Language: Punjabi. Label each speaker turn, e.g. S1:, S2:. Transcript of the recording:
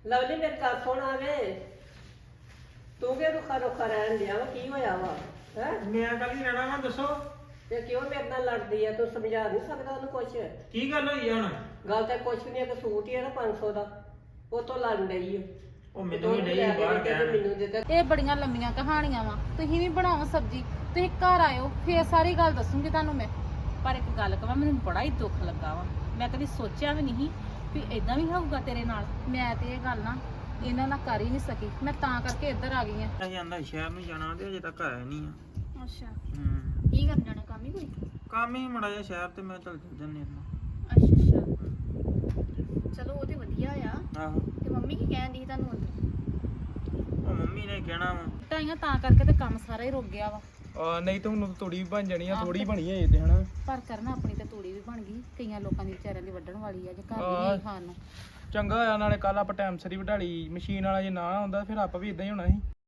S1: ਲਵਲੀ ਮੇਰੇ ਗੱਲ ਸੁਣ ਆਵੇ ਤੂੰ ਕਿ ਰੁੱਖਾ ਰਹਿਣ ਡਿਆ ਵਾ ਕੀ ਹੋਇਆ ਵਾ ਹੈ
S2: ਮੈਂ ਕੱਲ ਹੀ ਰਹਿਣਾ ਵਾ ਦੱਸੋ
S1: ਤੇ ਕਿਉਂ ਮੇਰੇ ਨਾਲ ਲੜਦੀ ਆ ਤੂੰ ਸਮਝਾ ਨਹੀਂ ਸਕਦਾ ਉਹਨੂੰ ਕੁਛ
S2: ਕੀ ਗੱਲ ਹੋਈ ਆ ਹੁਣ
S1: ਗੱਲ ਤਾਂ ਕੁਛ ਨਹੀਂ ਇੱਕ ਸੂਟ ਹੀ ਆ ਨਾ 500 ਦਾ ਉਹ ਤੋਂ ਲੜਨ ਡਈ ਆ
S2: ਉਹ ਮੈਨੂੰ ਵੀ ਨਹੀਂ ਬਾਹਰ ਕਹਿਣ
S1: ਮੈਨੂੰ ਦੇ ਦੇ
S3: ਇਹ ਬੜੀਆਂ ਲੰਮੀਆਂ ਕਹਾਣੀਆਂ ਵਾ ਤੁਸੀਂ ਵੀ ਬਣਾਓ ਸਬਜ਼ੀ ਤੁਸੀਂ ਘਰ ਆਇਓ ਫੇਰ ਸਾਰੀ ਗੱਲ ਦੱਸੂਗੀ ਤੁਹਾਨੂੰ ਮੈਂ। ਪਰ ਇੱਕ ਗੱਲ ਕਹਾਂ ਮੈਨੂੰ ਬੜਾ ਹੀ ਦੁੱਖ ਲੱਗਾ ਵਾ। ਮੈਂ ਕਦੀ ਸੋਚਿਆ ਵੀ ਨਹੀਂ ਵੀ ਇਦਾਂ ਵੀ ਹੋਊਗਾ ਤੇਰੇ ਨਾਲ। ਮੈਂ ਤੇ ਇਹ ਗੱਲ ਨਾ ਇਹਨਾਂ ਨਾਲ ਕਰ ਹੀ ਨਹੀਂ ਸਕੀ, ਮੈਂ ਤਾਂ ਕਰਕੇ ਇੱਧਰ ਆ ਗਈ ਆ।
S2: ਅਸੀਂ ਆਂਦਾ ਸ਼ਹਿਰ ਨੂੰ ਜਾਣਾ ਤੇ ਅਜੇ ਤੱਕ ਆਇਆ ਨਹੀਂ ਆ।
S3: ਅੱਛਾ
S2: ਹੂੰ
S3: ਕੀ ਕਰਨ ਜਾਣਾ, ਕੰਮ ਹੀ ਕੋਈ?
S2: ਕੰਮ ਹੀ ਮੜਾ ਜਿਹਾ ਸ਼ਹਿਰ ਤੇ ਮੈਂ ਚੱਲ ਜੰਨੇ
S3: ਅੱਛਾ ਅੱਛਾ ਚਲੋ ਉਹ ਤੇ ਵਧੀਆ ਆ।
S2: ਆਹੋ
S3: ਤੇ ਮੰਮੀ ਕੀ ਕਹਿੰਦੀ ਤੁਹਾਨੂੰ ਅੰਦਰ?
S2: ਉਹ ਮੰਮੀ ਨੇ ਕਹਿਣਾ ਵਾ
S3: ਟਾਈਆਂ ਤਾਂ ਕਰਕੇ ਤੇ ਕੰਮ ਸਾਰਾ ਹੀ ਰੁਕ ਗਿਆ ਵਾ।
S2: ਨਹੀਂ ਤਾਂ ਹੁਣ ਤੂੜੀ ਵੀ ਬਣ ਜਾਣੀ ਆ,
S3: ਆਹ
S2: ਥੋੜੀ
S3: ਤੇ-
S2: ਬਣੀ ਹੈ ਤੇ ਹਨਾ।
S3: ਪਰ ਕਰਨਾ ਆਪਣੀ ਤੇ ਤੂੜੀ ਵੀ ਬਣ ਗਈ, ਕਈਆਂ ਲੋਕਾਂ ਦੀ ਵਿਚਾਰਿਆਂ ਦੀ ਵੱਢਣ ਵਾਲੀ ਆ ਜੇ ਘਰ ਵੀ ਨਹੀਂ ਖਾਣ ਨੂੰ।
S2: ਚੰਗਾ ਹੋਇਆ ਨਾਲੇ ਕੱਲ ਆਪਾਂ ਟਾਈਮ ਸਿਰ ਹੀ ਵਢਾਲੀ ਮਸ਼ੀਨ ਵਾਲਾ ਜੇ ਨਾ ਆਉਂਦਾ ਫਿਰ ਆਪਾਂ ਵੀ ਇਦਾਂ ਹੀ ਹੋਣਾ ਸੀ।